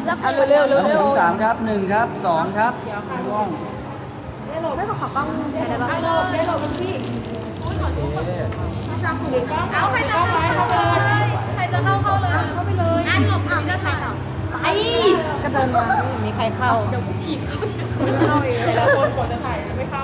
เอาเร็วๆ 1 ถึง 3ครับ1ครับ2ครับร่วงไม่ขอกล้องใช้ได้ป่ะเอาได้หลบพี่โอเคเอาใครจะเข้าเลยใครจะเข้าเลยเข้าไปเลยอันหลบหนีจะถ่ายต่อไอ้ก็เดินมาไม่เห็นมีใครเข้าเดี๋ยวกูถีบเข้าเองแต่ละคนกว่าจะถ่ายไม่เข้า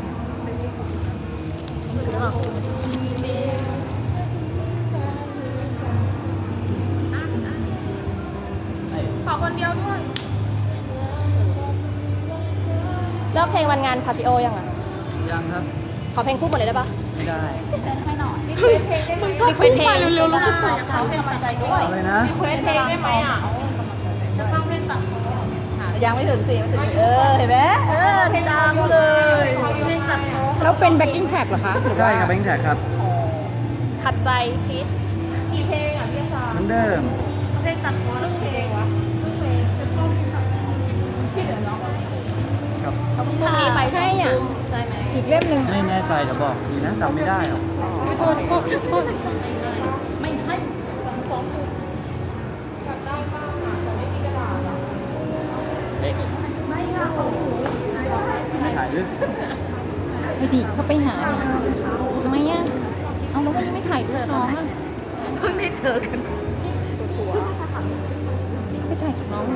ขอคนเดียวด้วยเลิกเพลงวันงานพาซิโอยังอ่ะยังครับขอเพลงคู่หมดเลยได้ปะไม่ได้เซ็นให้หน่อยรีเควสเพลงได้ไหมรีเควสเพลงเร็วๆเขาเป็นกำลังใจด้วยอะไรนะรีเควสเพลงได้ไหมอ่ะจะต้องเล่นตัดยังไม่ถึงสิไม่ถึงเห็นไหมดังเลยเล่นตัดแล้วเป็นแบ็กกิ้งแท็กเหรอคะใช่ครับแบงค์แท็กครับขัดใจพีชกี่เพลงอ่ะพี่ชาเหมือนเดิมเล่นตัดครึ่งเพลงวะครึ่งเพลงที่เหลือน้องครับเขาเพิ่งนี้ไปให้อ่ะใช่ไหมอีกเล่มหนึ่งไม่แน่ใจเดี๋ยวบอกดีนะจำไม่ได้หรอกไม่ให้เอ๊ะไม่เอาไม่ถ่ายด้วยไอ้ดิเขาไปหาเนี่ยทำไมอ่ะเอาแล้ววันนี้ไม่ถ่ายด้วยน้องอ่ะเพิ่งได้เจอกันเขาไปถ่ายกับน้อง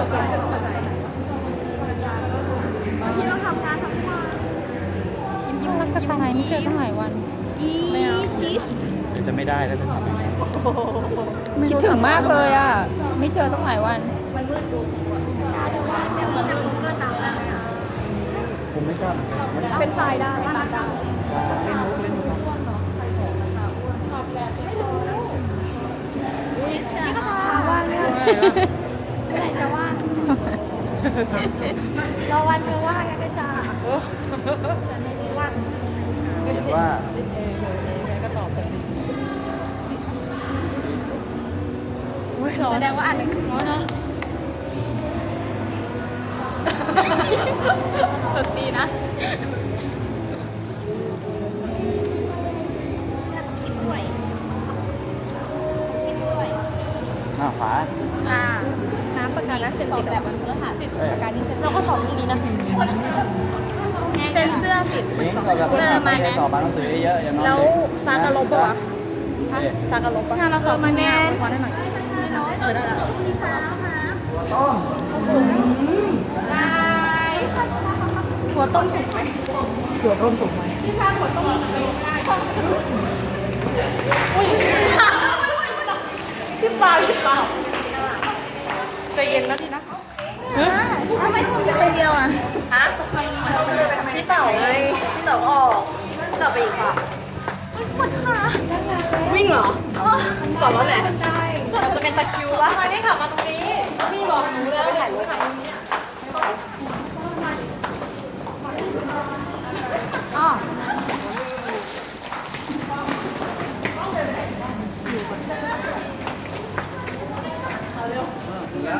ที่เราทำงานทั้งวันยิ้มรักจะตายไม่เจอตั้งหลายวันไม่เอาเดี๋ยวจะไม่ได้แล้วจะทำยังไงคิดถึงมากเลยอ่ะไม่เจอตั้งหลายวันมันมืดดูมันมืดเกินน้ำแล้วผมไม่ทราบเหมือนกันเป็นทรายได้ตัดได้เล่นมุกเล่นมุกว่างเนี่ยไหนจะว่างรอวันเธอว่างกันก็ช้าแต่ไม่ได้ว่างเห็นว่าแสดงว่าอ่านหนังสือเนาะตีนะฉันคิดด้วยคิดด้วยขวาน้ำประกันและเซ็นติดแบบวันพฤหัสประกันนี้เซ็นเราก็สอนดีๆนะเซ็นเสื้อติดเลี้ยงกับแบบไม่ได้สอบอ่านหนังสือเยอะอย่างน้อยแล้วซากะลบปะวะซากะลบปะงานเราสอบมาแน่ขอได้หน่อยได้แล้วพี่ช้าค่ะต้มได้หัวต้มถูกไหมหัวต้มถูกไหมพี่ช้าหัวต้มพี่เปล่าพี่เปล่าใจเย็นนะพี่นะทำไมคุณเป็นคนเดียวอ่ะฮะพี่เต่าไงพี่เต่าออกพี่เต่าไปอีกค่ะปวดขาวิ่งเหรอก่อนแล้วแหละใช่เราจะเป็นตะคิววะมานี่ขับมาตรงนี้พี่บอกหนูเลยไปถ่ายรูปถ่ายอ๋อแล้ว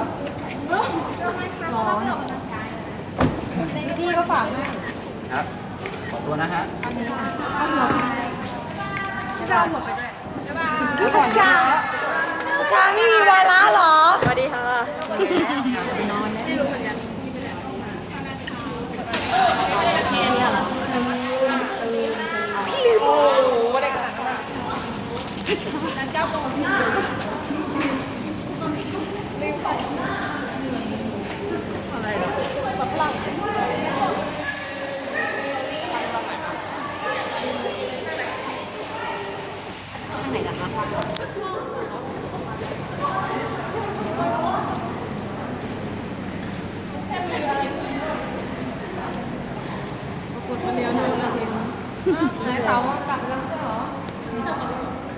พี่ก็ฝากให้ครับ ขอตัวนะฮะชาชาไม่มีวาระเหรอสวัสดีค่ะ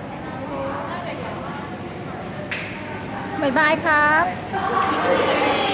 บ๊ายบายครับ